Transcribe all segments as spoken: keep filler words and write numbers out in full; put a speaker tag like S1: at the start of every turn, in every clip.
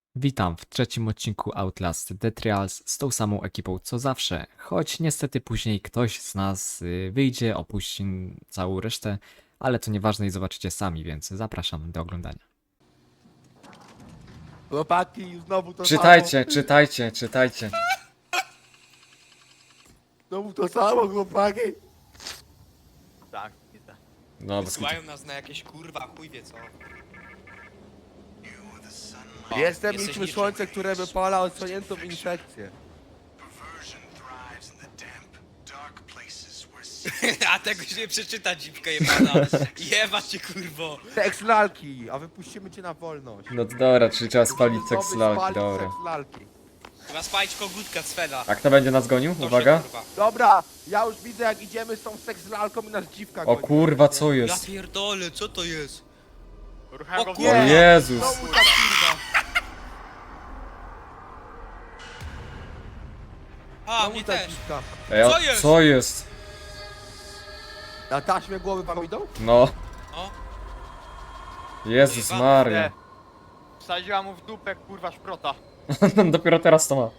S1: Witam w trzecim odcinku Outlast The Trials z tą samą ekipą co zawsze, choć niestety później ktoś z nas y, wyjdzie, opuści całą resztę, ale to nieważne i zobaczycie sami, więc zapraszam do oglądania.
S2: Chłopaki, znowu to
S3: Czytajcie, czytajcie, czytajcie.
S2: samo. Znowu to samo, chłopaki. Tak, nie tak.
S3: No, bez kitu.
S4: Wysyłają nas na jakieś kurwa, chuj wie co. O,
S2: Jestem
S4: jesteś
S2: niczym
S4: niczym.
S2: słońce, które wypala odsłoniętą infekcję.
S4: A tego się nie przeczyta, dziwka jebana. Jeba cię kurwo.
S2: Seks lalki, a wypuścimy cię na wolność.
S3: No to dobra, czyli trzeba spalić
S2: Musimy
S3: seks
S2: zdobyć,
S3: lalki,
S2: spalić
S3: dobra.
S2: seks lalki.
S4: Chyba spalić kogutka Cfela.
S3: A kto będzie nas gonił?
S4: To się,
S3: Uwaga.
S4: kurwa.
S2: Dobra, ja już widzę jak idziemy z tą seks lalką i nas dziwka
S3: O
S2: goni.
S3: kurwa, co
S4: Ja
S3: jest?
S4: pierdolę, co to jest?
S2: O
S4: O
S3: O
S4: kurwa.
S3: Jezus.
S2: Znowu ta kurwa.
S4: A,
S2: Znowu
S4: mnie
S2: ta
S4: też.
S2: dziwka.
S3: Ej, o-
S4: Co jest?
S3: co jest?
S2: Na taśmie głowy wam idą?
S3: No.
S4: O,
S3: Jezus
S4: Jeba-
S3: Maria.
S5: Wsadziła mu w dupę, kurwa, szprota.
S3: Dopiero teraz to ma.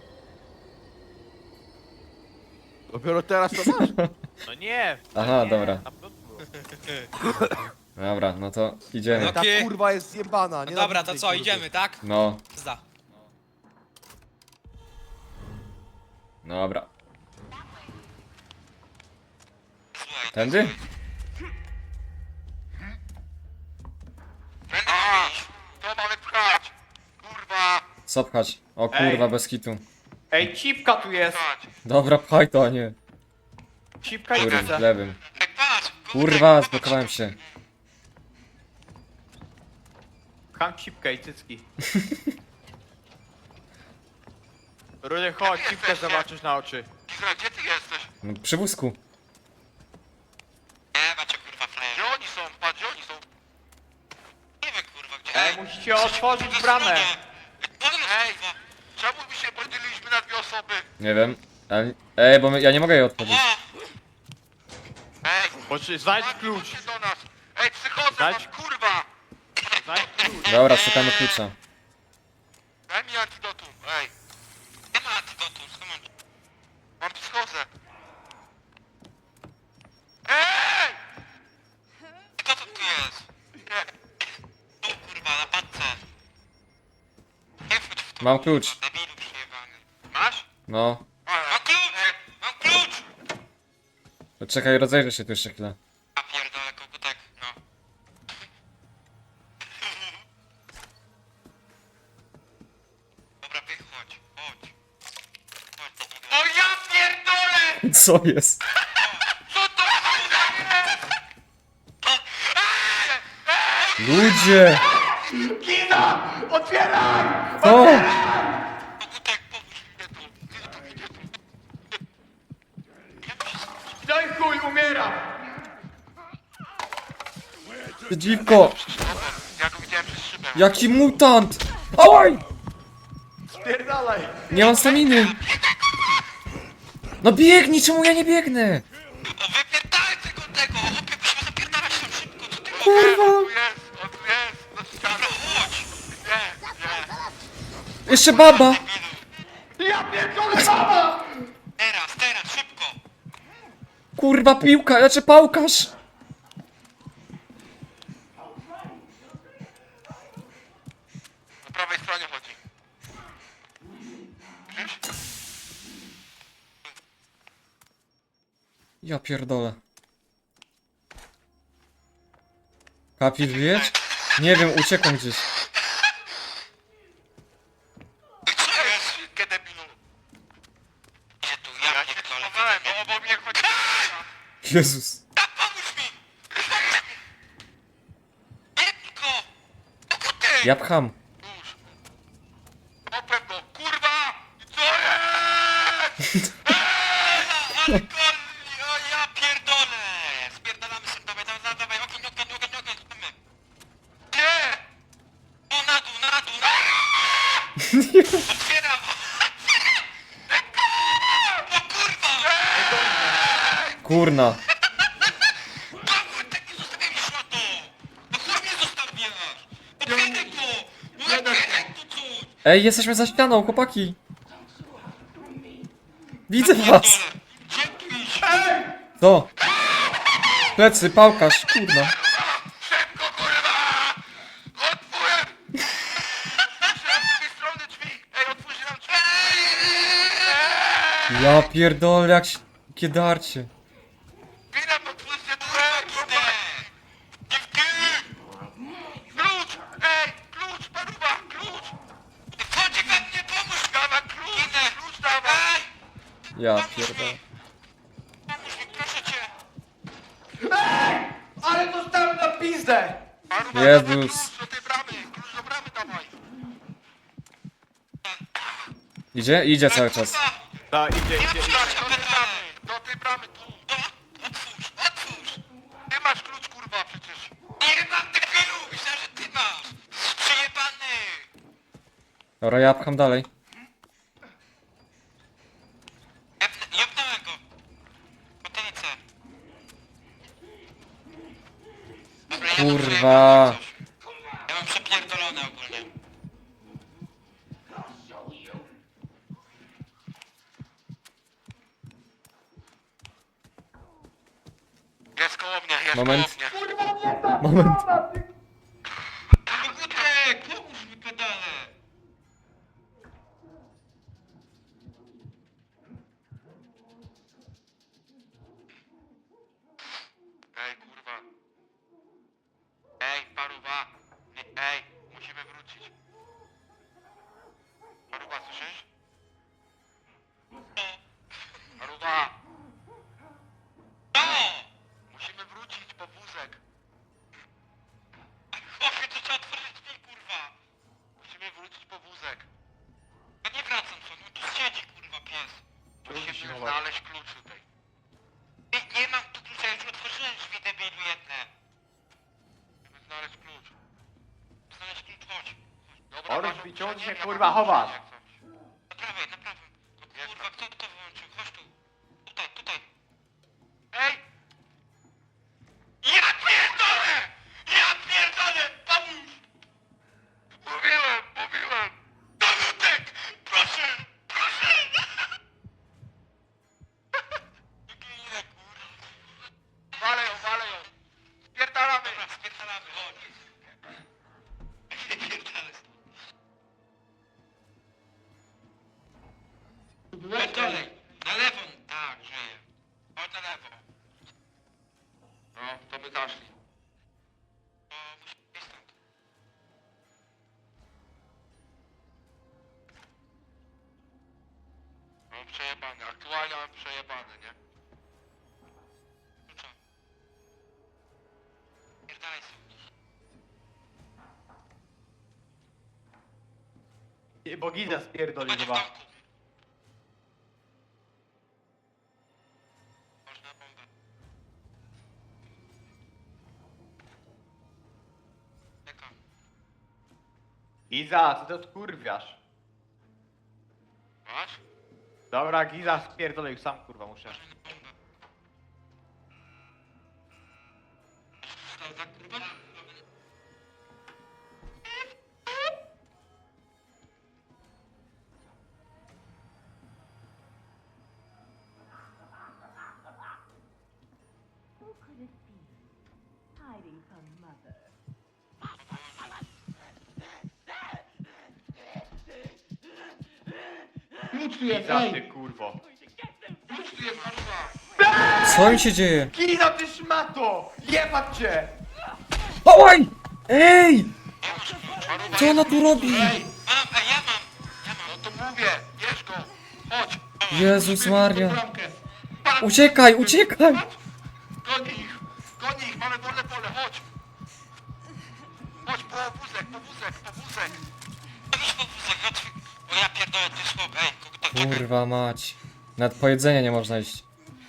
S2: Dopiero teraz to masz?
S5: No nie!
S3: Aha,
S5: nie,
S3: dobra.
S5: na pewno było.
S3: Dobra, no to idziemy.
S2: Ta
S4: Okej.
S2: kurwa jest zjebana.
S4: no
S2: nie
S4: dobra,
S2: nienawidzę
S4: to
S2: tej
S4: co,
S2: kurwy.
S4: idziemy, tak?
S3: No,
S4: Zda.
S3: dobra. Tędy?
S5: To mamy pchać! Kurwa!
S3: Co pchać? O kurwa,
S5: Ej.
S3: bez kitu.
S5: Ej, cipka tu jest!
S3: Dobra, pchaj to, a nie.
S5: Cipka i
S3: Kurwa,
S5: widzę.
S3: lewym. Kurwa, zblokowałem się.
S5: Pcham cipkę i cycki. Rudy, chodź, cipkę zobaczysz na oczy.
S6: Izra, gdzie ty jesteś?
S3: No, przy wózku.
S6: Nie, macie kurwa flash. Gdzie oni są? Patrz, gdzie oni są? Nie wiem kurwa, gdzie...
S5: Ej, musicie otworzyć bramę!
S6: Ej, czemu my się podzieliliśmy na dwie osoby?
S3: Nie wiem. Ale... Ej, bo my, ja nie mogę jej otworzyć.
S6: Ej,
S5: Bo czy znajdź
S6: Marcin,
S5: klucz!
S6: chodźcie do nas. Ej, psychoza
S5: Dać-
S6: mam, kurwa!
S5: Znajdź klucz!
S3: Dobra, szukamy klucza.
S6: Daj mi antidotum, ej. Nie ma antidotum, skąd mam? Mam psychozę. Ej! Kto to tu jest? Nie. Tu kurwa, na padce. Nie wchodź w to.
S3: Mam klucz.
S6: kurwa, Debilu przejebany. Masz?
S3: No.
S6: Mam klucz! Mam klucz!
S3: To czekaj, rozejrzę się tu jeszcze chwilę.
S6: A pierdolę, kogutek, no. Dobra, wychodź, chodź. Chodź do niego. O ja pierdolę!
S3: Co jest?
S6: Co to kurwa jest?
S3: Ludzie!
S6: Kina! Otwieraj!
S3: O!
S6: Kogutek, pomóż mi tu. Nie tu, nie tu.
S5: No i chuj, umiera!
S3: Dziwko!
S6: Ja go widziałem przez szybę.
S3: Jaki mutant! Oj!
S5: Spierdalaj!
S3: Nie mam staminy! No biegnij, czemu ja nie biegnę?
S6: O, wypierdalaj tego, tego! Chłopie, musimy zapierdalać tam szybko, co ty
S3: Kurwa!
S6: On tu jest, on tu jest, na ścianę. Chodź! Nie, nie.
S3: Jeszcze baba!
S5: Ja pierdolę, mama!
S6: Teraz, teraz, szybko!
S3: Kurwa piłka, znaczy pałkarz!
S6: Po prawej stronie chodzi. Widzisz?
S3: Ja pierdolę. Kapi, żyjesz? Nie wiem, uciekłem gdzieś.
S6: Co jest? Szybkie debilu. Gdzie tu? Ja, ja się schowałem, bo obok mnie chodzi.
S3: Jezus.
S6: Pomóż mi! Jebko! Koguty!
S3: Ja pcham.
S6: Już. Opłem go, kurwa! Co jest? Eee, ale golni, o ja pierdolę! Spierdalamy się, dawaj, dawaj, dawaj, ogień, ogień, ogień, ogień, spamy. Nie! No na dół, na dół, na dół! Otwieram! O kurwa!
S3: Kurna.
S6: Kogutek, nie zostawiaj mi szmato! No chuj mnie zostawiasz! Otwieraj to! No otwieraj to coś!
S3: Ej, jesteśmy za ścianą, chłopaki! Widzę was!
S6: Dzięki!
S3: To! Plecy, pałkarz, kurna.
S6: Szybko, kurwa! Otwórz! Otwórz nam z tej strony drzwi! Ej, otwórz nam drzwi! Ej!
S3: Ja pierdolę, jak się... Kiedarcie.
S6: Drzwi nam otwórzcie, kurwa! Dziewki! Klucz! Ej, klucz, paruwa, klucz! Chodź we mnie, pomóż! Dawaj klucz! Klucz dawaj!
S3: Ja pierdolę.
S6: Pomóż mi, proszę cię!
S2: Ale dostałem na pizdę!
S6: Paruwa,
S3: Jezus.
S6: dawaj klucz do tej bramy! Klucz do bramy dawaj!
S3: Idzie? Idzie cały czas.
S2: Tak, idzie,
S6: Nie
S2: idzie, idzie.
S6: otwórz do tej bramy! Do tej bramy, tu! Otwórz, otwórz! Ty masz klucz, kurwa, przecież! Nie mam debilu! Myślę, że ty masz! Przejebany!
S3: Dobra, ja pcham dalej.
S6: Jebnąłem go! Potylicę! Dobra, ja mam
S3: Kurwa.
S6: przejebane coś. Ja mam przepierdolone ogólnie. Jest koło mnie, jest
S3: Moment.
S6: koło mnie.
S3: Moment.
S6: Kogutek, pomóż mi pedale! Ej, kurwa. Ej, paruwa. Nie, ej, musimy wrócić. Paruwa, słyszysz? Paruwa! No! Musimy wrócić po wózek. Chłopie, to trzeba otworzyć drzwi, kurwa! Musimy wrócić po wózek. Ja nie wracam, co? No tu siedzi, kurwa, pies. Musimy znaleźć klucz tutaj. Nie, nie mam tu klucza, już otworzyłem drzwi, debilu jedne. Musimy znaleźć klucz. Znaleźć klucz, chodź. Dobra,
S2: Orus,
S6: masz
S2: wyciągnij
S6: opóźnienie,
S2: się,
S6: ja
S2: kurwa,
S6: mam
S2: chowasz.
S6: opóźnienie jak coś. Na prawej, na prawym. No, kurwa, kto to wyłączył? Chodź tu. Tutaj, tutaj. Ej! Ja pierdolę! Ja pierdolę! Pomóż! Mówiłem, mówiłem! Kogutek! Proszę! Proszę! Ginę, kurwa. Walę ją, walę ją! Spierdalamy! Dobra, spierdalamy, chodź. Spierdalamy. Chodź dalej! Na lewo! Tak, żyję. Chodź na lewo. No, to by zaszli. No, musimy iść stąd. Mam przejebany, aktualnie mam przejebany, nie? Klucza. Pierdalaj sobie.
S2: Nie, bo gida spierdoli
S6: Będzie w
S2: chyba.
S6: domku. Można bombę. Czeka.
S2: Giza, ty to odkurwiasz.
S6: Masz?
S2: Dobra, Giza spierdolę, już sam kurwa muszę.
S6: Może na bombę. Stał za kurwa?
S7: Who could it be? Hiding from mother.
S2: Giza, ty kurwo.
S6: Klucz tu jest, paruwa!
S3: Co im się dzieje?
S2: Giza, ty szmato! Jebać cię!
S3: Oj! Ej!
S6: Ja masz klucz, paruwa,
S3: Co ona tu robi?
S6: Ej, mam, ej, ja mam! Ja mam! No to mówię, bierz go! Chodź!
S3: Jezus Maria.
S6: Bramkę. Patrz,
S3: Uciekaj, uciekaj!
S6: patrz. Goni ich! Goni ich, mamy wolne pole, chodź! Chodź, po wózek, po wózek, po wózek! Idź po wózek, chodź! O ja pierdolę, ty słab, ej, kogo tak
S3: Kurwa mać. Nawet po jedzenie nie można iść.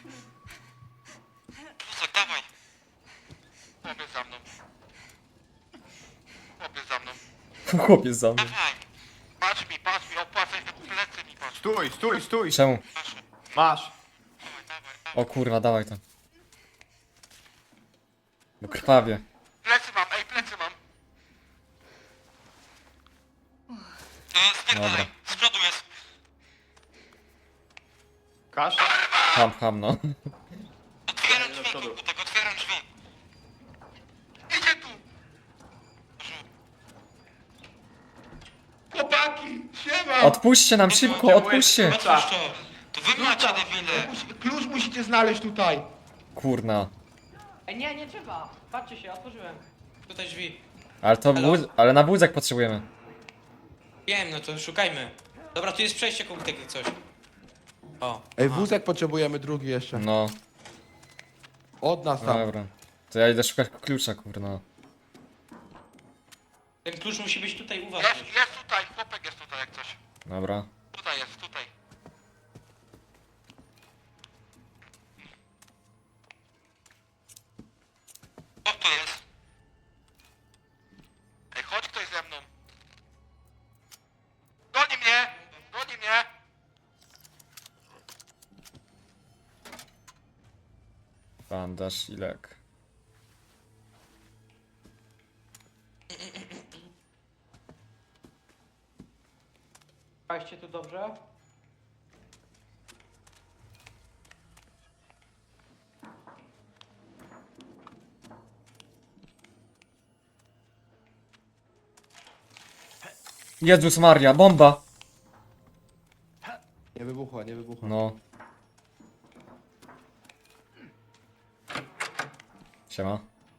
S6: Wózek, dawaj! Chłopiec za mną. Chłopiec za mną.
S3: Chłopiec za mnie.
S6: Dawaj! Patrz mi, patrz mi, opłacaj te plecy mi, patrz.
S2: Stój, stój, stój!
S3: Czemu?
S6: Proszę.
S2: Masz.
S6: Dawaj, dawaj, dawaj.
S3: O kurwa, dawaj to. Bo krwawie.
S6: Plecy mam, ej, plecy mam. E, spierdalaj,
S3: Dobra.
S6: z przodu jest.
S5: Kasza?
S3: Ham, ham, no.
S6: Otwieram
S5: do
S6: drzwi,
S5: przodu.
S6: komputek, otwieram drzwi. Idzie tu!
S2: Chłopaki, siema!
S3: Odpuśćcie nam szybko, odpuśćcie!
S6: Otwórz to. To wy macie debile.
S2: Klucz- Klucz musicie znaleźć tutaj.
S3: Kurna.
S8: Ej, nie, nie trzeba. Patrzcie się, otworzyłem.
S4: Tutaj drzwi.
S3: Ale to
S4: Halo?
S3: wóz, ale na wózek potrzebujemy.
S4: Wiem, no to szukajmy. Dobra, tu jest przejście komputek jak coś. O.
S2: Ej,
S4: aha.
S2: wózek potrzebujemy drugi jeszcze.
S3: No,
S2: Od nas tam.
S3: dobra. To ja idę szukać klucza, kurna.
S4: Ten klucz musi być tutaj u was.
S6: Jest, jest tutaj, chłopek jest tutaj jak coś.
S3: Dobra.
S6: Tutaj jest, tutaj. Co to jest? Ej, chodź ktoś ze mną. Goni mnie! Goni mnie!
S3: Bandaż i lek.
S8: Patrzcie tu dobrze.
S3: Jezus Maria, bomba!
S2: Nie wybuchła, nie wybuchła.
S3: No. Siema.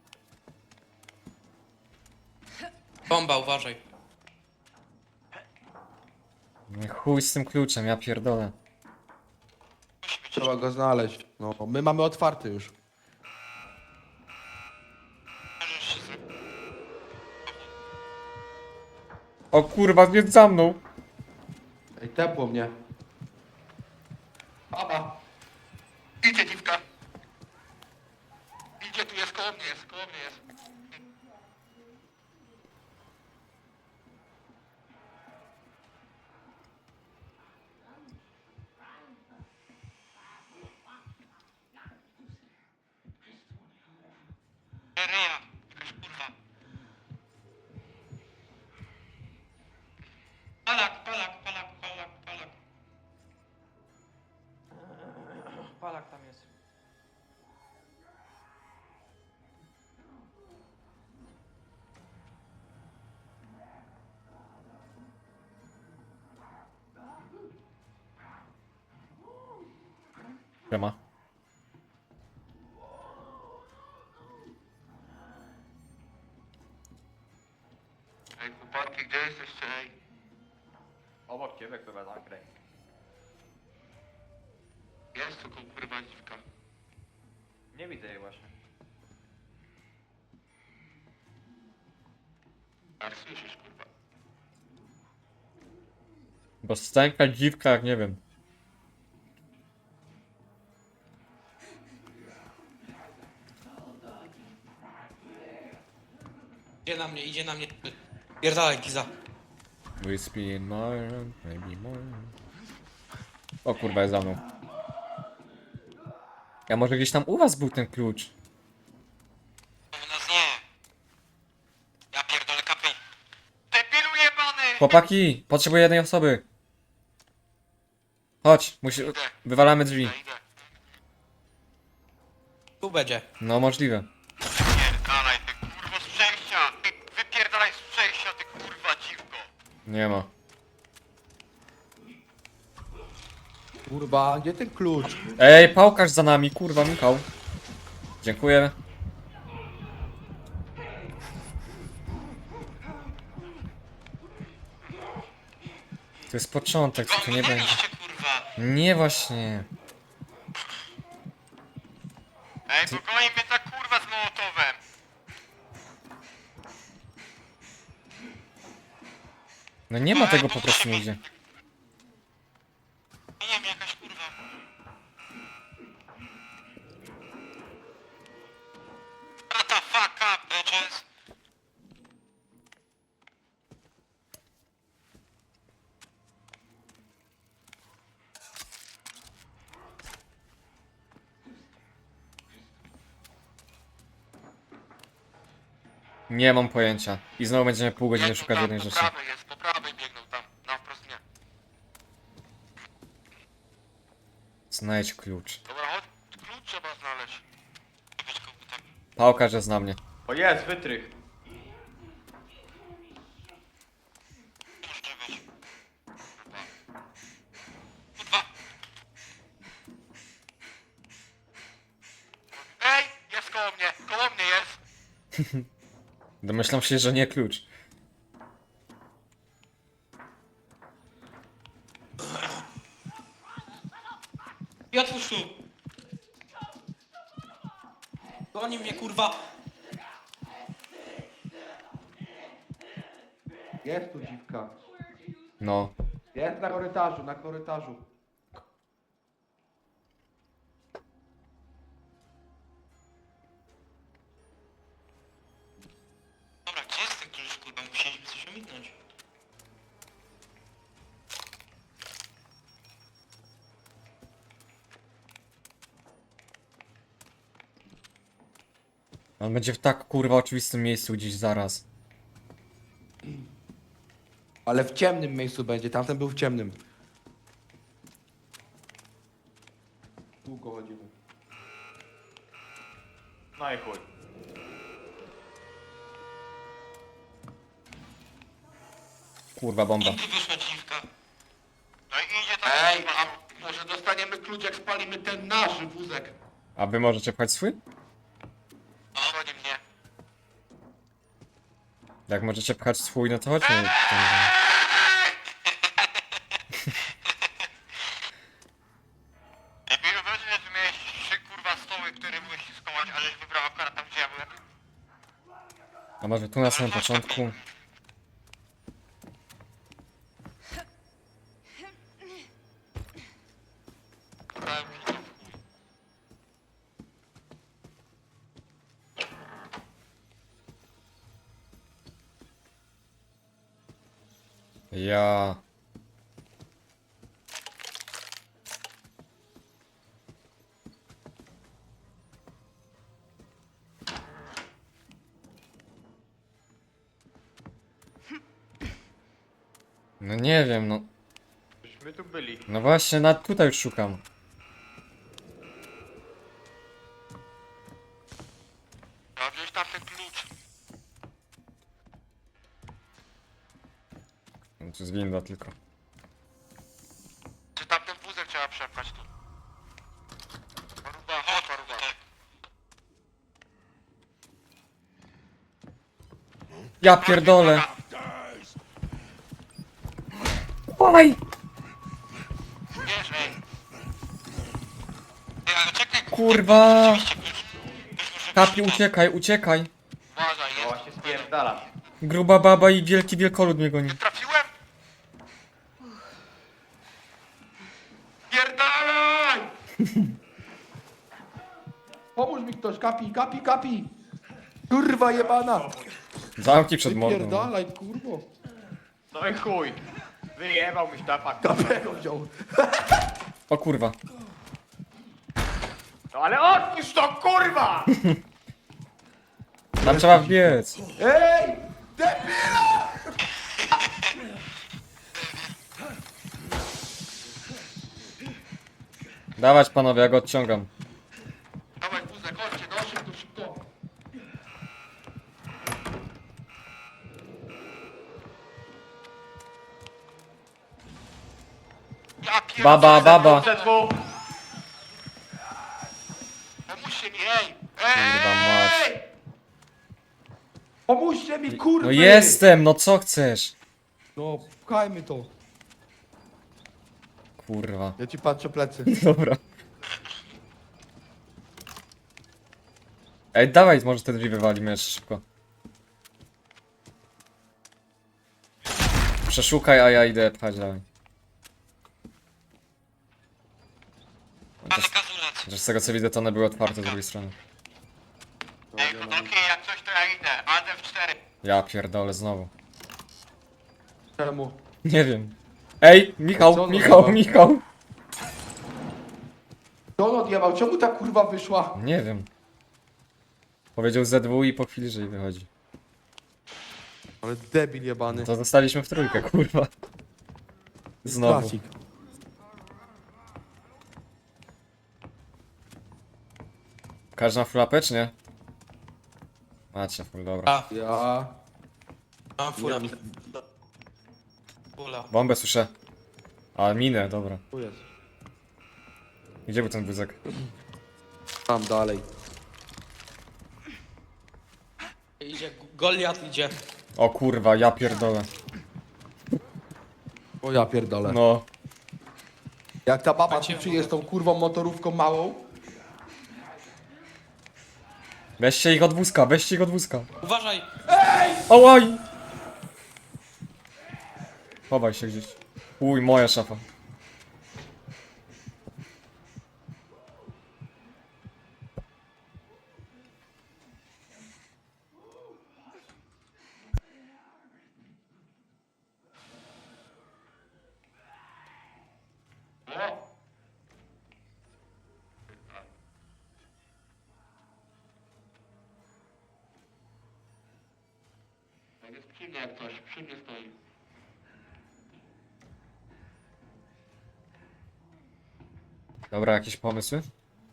S4: Bomba, uważaj.
S3: Nie, chuj z tym kluczem, ja pierdolę.
S2: Trzeba go znaleźć. No, my mamy otwarty już.
S3: O kurwa, jest za mną!
S2: Ej, tepło mnie. Baba.
S6: Idzie dziwka. Idzie, tu jest koło mnie, jest koło mnie jest. Ryja, jakaś kurwa. Palak, palak, palak, palak, palak.
S8: Palak tam jest.
S3: Siema.
S6: Ej, chłopaki, gdzie jesteście, ej?
S5: Obok ciebie chyba zakręć.
S6: Jest tu kurwa dziwka.
S5: Nie widzę jej właśnie.
S6: A słyszysz, kurwa.
S3: Bo stęka dziwka, jak nie wiem.
S4: Idzie na mnie, idzie na mnie. Pierdalaj, Giza.
S3: Whiskey in my hand, maybe more. O kurwa, jest za mną. Ja może gdzieś tam u was był ten klucz.
S6: U nas nie. Ja pierdolę kapy. Debilu jebany!
S3: Chłopaki, potrzebuję jednej osoby. Chodź, musi... wywalamy drzwi.
S6: Idę, idę.
S4: Tu będzie.
S3: No możliwe.
S6: Pierdalaj, ty kurwo z przejścia! Ty wypierdalaj z przejścia, ty kurwa dziwko!
S3: Nie ma.
S2: Kurwa, gdzie ten klucz?
S3: Ej, pałkarz za nami, kurwa, Michał. Dziękuję. To jest początek, co tu nie będzie.
S6: Minęliście, kurwa!
S3: Nie właśnie.
S6: Ej, bo goni mnie ta kurwa z Mołotowem!
S3: No nie ma tego po prostu nigdzie.
S6: Nie wiem, jakaś kurwa. What the fuck up, bitches?
S3: Nie mam pojęcia. I znowu będziemy pół godziny
S6: Biegną
S3: szukać
S6: tam,
S3: jednej
S6: po
S3: rzeczy.
S6: prawej jest, po prawej biegną tam.
S3: Znajdź klucz.
S6: Dobra, chodź, klucz trzeba znaleźć. Być komputer.
S3: Pałka, że zna mnie.
S5: O jest, wytrych.
S6: Może być. Kurwa. Ej, jest koło mnie, koło mnie jest.
S3: Domyślam się, że nie klucz.
S4: I otwórz tu! Goni mnie, kurwa!
S2: Jest tu dziwka.
S3: No.
S2: Jest na korytarzu, na korytarzu.
S4: Dobra, gdzie jest ten klucz, kurwa? Musieliśmy coś ominąć.
S3: On będzie w tak kurwa oczywistym miejscu gdzieś zaraz.
S2: Ale w ciemnym miejscu będzie, tamten był w ciemnym. Długo chodzimy.
S5: No i chuj.
S3: Kurwa bomba.
S4: Tu wyszła dziwka.
S6: No i idzie tam.
S2: Ej, a może dostaniemy klucz, jak spalimy ten nasz wózek?
S3: A wy możecie pchać swój?
S6: Goni mnie.
S3: Jak możecie pchać swój, no to chodźmy.
S6: Lepiej wyobraźcie, że miałeś trzy kurwa stoły, które byłeś skołać, a żeś wybrał akurat tam, gdzie ja byłem.
S3: A może tu na samym początku?
S6: Brałem się to w chuj.
S3: Ja. No nie wiem, no.
S5: Żeśmy tu byli.
S3: No właśnie, na tutaj już szukam.
S6: Trzeba wziąć tam ten klucz.
S3: No, to jest winda tylko.
S6: Czy tamten wózek trzeba przepchać tu? Paruba, chodź paruba.
S3: Ja pierdolę! Oj!
S6: Wiesz, ej. Ej, ale czekaj,
S3: Kurwa!
S6: rzeczywiście klucz. Ktoś może
S3: Kapi,
S6: wziąć.
S3: uciekaj, uciekaj!
S6: Uważaj,
S5: No
S6: jest.
S5: właśnie spierdalam.
S3: Gruba baba i wielki wielkolud mnie goni.
S6: Nie trafiłem? Pierdalaj!
S2: Pomóż mi ktoś, kapi, kapi, kapi! Kurwa jebana!
S3: Zamki przed mordą.
S2: Wypierdalaj, kurwo!
S5: No i chuj. Wyjebał mi sztapak.
S2: Kapego wziął.
S3: O kurwa.
S5: No ale odpuść to, kurwa!
S3: Tam trzeba wbiec.
S2: Ej! Debila!
S3: Dawać panowie, ja go odciągam.
S6: Dawaj wózek, chodźcie, no szybko, szybko. Ja pierdolę.
S3: Baba, baba.
S5: Ze dwóch.
S6: Pomóżcie mi, ej!
S3: Kurwa mać.
S6: Ej!
S2: Pomóżcie mi, kurwa!
S3: No jestem, no co chcesz?
S2: No, pchajmy to.
S3: Kurwa.
S2: Ja ci patrzę plecy.
S3: Dobra. Ej, dawaj, może te drzwi wywalimy jeszcze szybko. Przeszukaj, a ja idę pchać dalej.
S6: Ale kazulec.
S3: Chociaż z tego co widzę, to one były otwarte z drugiej strony.
S6: Ej, chłopaki, jak coś to ja idę. A D F cztery.
S3: Ja pierdolę znowu.
S2: Czemu?
S3: Nie wiem. Ej,
S2: Co
S3: Michał,
S2: on
S3: Michał,
S2: odjebał?
S3: Michał!
S2: Co on odjebał? Czemu ta kurwa wyszła?
S3: Nie wiem. Powiedział Z W i po chwili, że wychodzi.
S2: Ale debil jebany.
S3: To zostaliśmy w trójkę, kurwa. Znowu.
S2: Klasik.
S3: Każdy ma full A P, czy nie? Macie full, dobra.
S4: A,
S2: Ja...
S4: mam fula. Fula.
S3: Bombę słyszę. A, minę, dobra.
S2: Tu jest.
S3: Gdzie był ten wózek?
S2: Tam dalej.
S4: Idzie, Goliat idzie.
S3: O kurwa, ja pierdolę.
S2: O ja pierdolę.
S3: No.
S2: Jak ta baba
S4: Macie
S2: tu przyjedzie z tą kurwą motorówką małą,
S3: Weźcie ich od wózka, weźcie ich od wózka.
S4: Uważaj!
S3: Ołaj! Chowaj się gdzieś. Uj, moja szafa.
S6: Jest przy mnie jak coś, przy mnie stoi.
S3: Dobra, jakieś pomysły?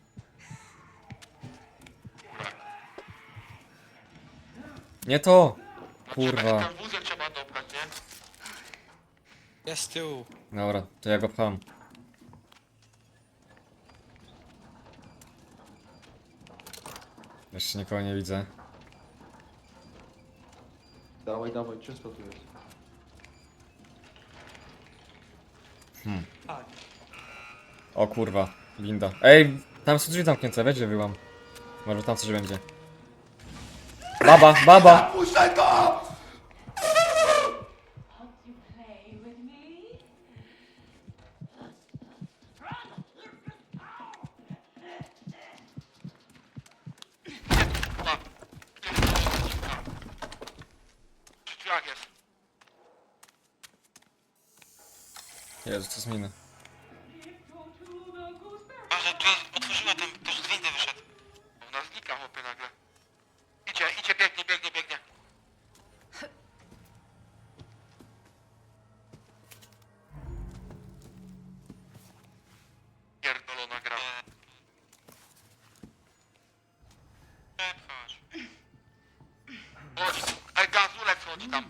S3: Nie to! Kurwa.
S6: Ten wózek trzeba dopchać, nie?
S4: Jest z tyłu.
S3: Dobra, to ja go pcham. Jeszcze nikogo nie widzę.
S2: dawaj, dawaj, czysto tu jest.
S8: Tak.
S3: O kurwa, winda. Ej, tam są drzwi zamknięte, weź je wyłam. Może tam coś będzie. Baba, baba!
S2: Puszczaj go!
S7: Want to play with me?
S6: Chyba. Przy drzwiach jest.
S3: Jezu, co zmienia.
S6: Może tu otworzyła tam, też z windy wyszedł. Ona znika chłopie nagle. Idzie, idzie, biegnie, biegnie, biegnie. Pierdolona gra. Chodź. Chodź. Ej, gazulec chodzi tam.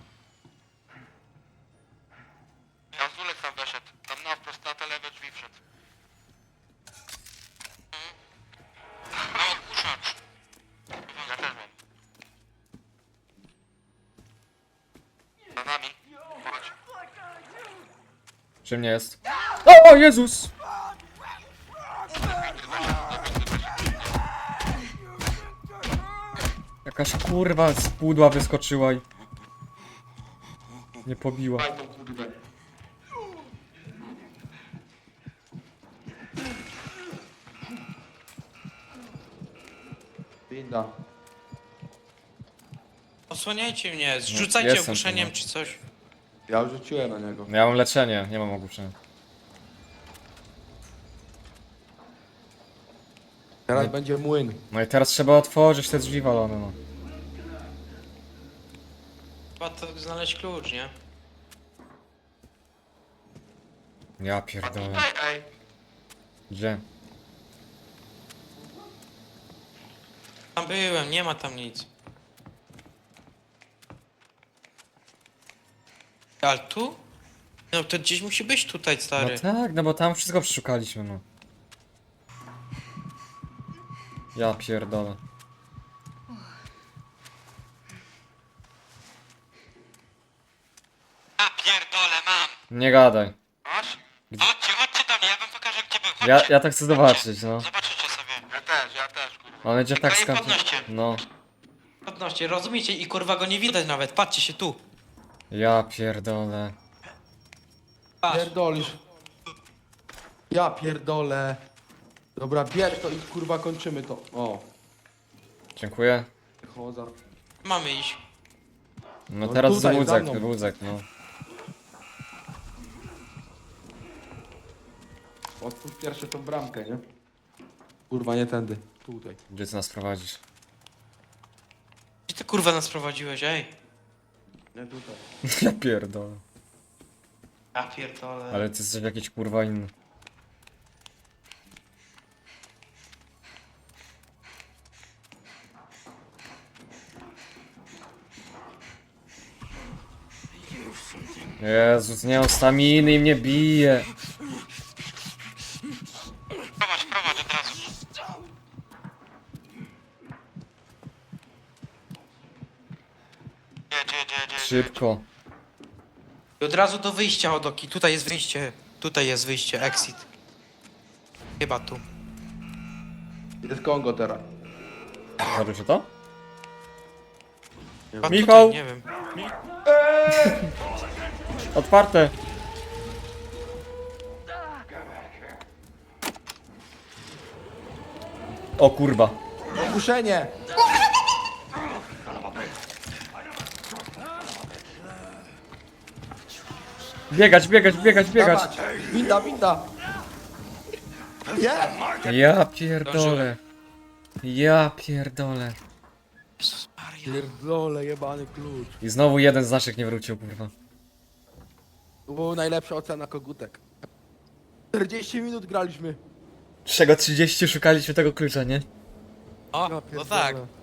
S6: Gazulec tam weszedł. Tam na wprost na te lewe drzwi wszedł. No, odkurzacz. Ja też mam. Za nami. Chodź.
S3: Przy mnie jest. O, Jezus! Jakaś kurwa z pudła wyskoczyła i... Nie pobiła.
S6: Daj tą kurwę.
S2: Winda.
S4: Osłaniajcie mnie, zrzucajcie
S3: jestem
S4: ogłuszeniem
S3: tu, no.
S4: czy coś.
S2: Ja już rzuciłem na niego.
S3: Ja mam leczenie, nie mam ogłuszenia.
S2: Teraz będzie młyn.
S3: No i teraz trzeba otworzyć te drzwi walone, no.
S4: Trzeba to znaleźć klucz, nie?
S3: Ja
S6: A
S3: pierdolę.
S6: tutaj, ej.
S3: Gdzie?
S4: Tam byłem, nie ma tam nic. Ale tu? No to gdzieś musi być tutaj,
S3: No
S4: stary.
S3: tak, no bo tam wszystko przeszukaliśmy, no. Ja pierdolę.
S6: A pierdolę, mam.
S3: Nie gadaj.
S6: Masz? Chodźcie, chodźcie do mnie, ja wam pokażę gdzie był. Chodźcie.
S3: Ja, ja tak chcę zobaczyć, no.
S6: Zobaczycie sobie. Ja też, ja też, kurwa.
S3: On będzie tak
S6: Tylko nie
S3: skąd...
S6: podnoście.
S3: No.
S4: Podnoście, rozumiecie? I kurwa go nie widać nawet, patrzcie się tu.
S3: Ja pierdolę.
S4: Patrz.
S2: Pierdolisz. Ja pierdolę. Dobra, bierz to i kurwa kończymy to. O,
S3: Dziękuję.
S2: choza.
S4: Mamy iść.
S3: No
S2: No
S3: teraz
S2: tutaj, za
S3: wózek,
S2: mną.
S3: wózek, no.
S2: Otwórz pierwsze tą bramkę, nie? Kurwa, nie tędy. Tutaj.
S3: Gdzie ty nas prowadzisz?
S4: Gdzie ty kurwa nas prowadziłeś, ej?
S2: Nie tutaj.
S3: Ja pierdolę.
S4: Ja pierdolę.
S3: Ale ty jesteś jakiś kurwa inny. Jezus, nie mam staminy i mnie bije.
S6: Prowadź, prowadź od razu. Jedź, jedź, jedź, jedź.
S3: Szybko.
S4: I od razu do wyjścia, Odoki. Tutaj jest wyjście. Tutaj jest wyjście, exit. Chyba tu.
S2: Jest Kongo teraz.
S3: Zaczął się to?
S4: Chyba
S3: Michał!
S4: Tutaj, nie wiem.
S3: Otwarte. O kurwa.
S2: Ogłuszenie!
S3: Biegać, biegać, biegać, biegać.
S2: Dawać! Winda, winda! Nie!
S3: Ja pierdolę. Ja pierdolę.
S4: Jezus Maria.
S2: Pierdolę, jebany klucz.
S3: I znowu jeden z naszych nie wrócił, kurwa.
S2: To była najlepsza ocena kogutek. czterdzieści minut graliśmy.
S3: Z czego trzydzieści szukaliśmy tego klucza, nie?
S4: O,
S2: Ja
S4: no
S2: pierdolę.
S4: tak.